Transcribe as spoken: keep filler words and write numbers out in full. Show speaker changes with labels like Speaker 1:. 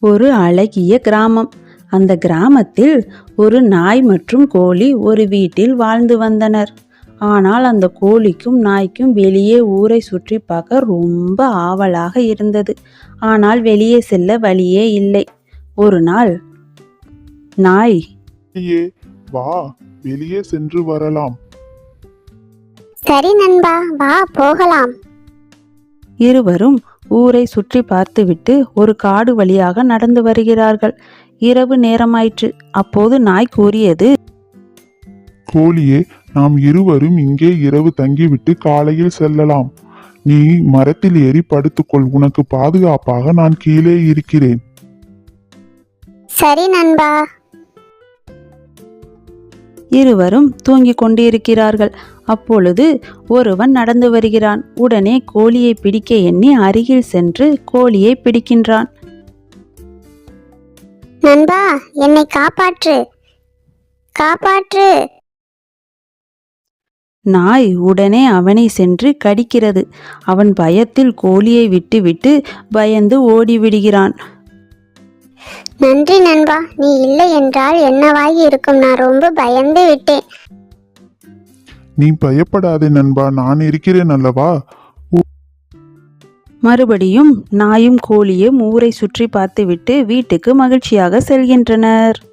Speaker 1: ஒரு அழகிய கிராமம். அந்த கிராமத்தில் ஒரு நாய் மற்றும் கோழி ஒரு வீட்டில் வாழ்ந்து வந்தனர். ஆனால் அந்த கோழிக்கும் நாய்க்கும் வெளியே ஊரை சுற்றி பார்க்க ரொம்ப ஆவலாக இருந்தது. ஆனால் வெளியே செல்ல வழியே இல்லை. ஒரு நாள் நாய்,
Speaker 2: "ஏ, வா, வெளியே சென்று வரலாம்."
Speaker 3: சரி நண்பா, வா போகலாம்.
Speaker 1: இருவரும் ஊரை சுற்றி பார்த்துவிட்டு ஒரு காடு வழியாக நடந்து வருகிறார்கள். இரவு நேரமாயிற்று. அப்போது நாய் கூறியது,
Speaker 2: கோழியே, நாம் இருவரும் இங்கே இரவு தங்கிவிட்டு காலையில் செல்லலாம். நீ மரத்தில் ஏறி படுத்துக்கொள். உனக்கு பாதுகாப்பாக நான் கீழே இருக்கிறேன்.
Speaker 3: சரி நண்பா.
Speaker 1: இருவரும் தூங்கிக் கொண்டிருக்கிறார்கள். அப்பொழுது ஒருவன் நடந்து வருகிறான். உடனே கோழியை பிடிக்க எண்ணி அருகில் சென்று கோழியை பிடிக்கின்றான்.
Speaker 3: நண்பா, என்னை காப்பாற்று, காப்பாற்று.
Speaker 1: நாய் உடனே அவனை சென்று கடிக்கிறது. அவன் பயத்தில் கோழியை விட்டுவிட்டு பயந்து ஓடிவிடுகிறான்.
Speaker 3: நன்றி நண்பா, நீ இல்லை என்றால் என்னவாகி இருக்கும். நான் ரொம்ப பயந்து விட்டேன்.
Speaker 2: நீ பயப்படாதே நண்பா, நான் இருக்கிறேன் அல்லவா.
Speaker 1: மறுபடியும் நாயும் கோழியும் ஊரை சுற்றி பார்த்துவிட்டு வீட்டுக்கு மகிழ்ச்சியாக செல்கின்றனர்.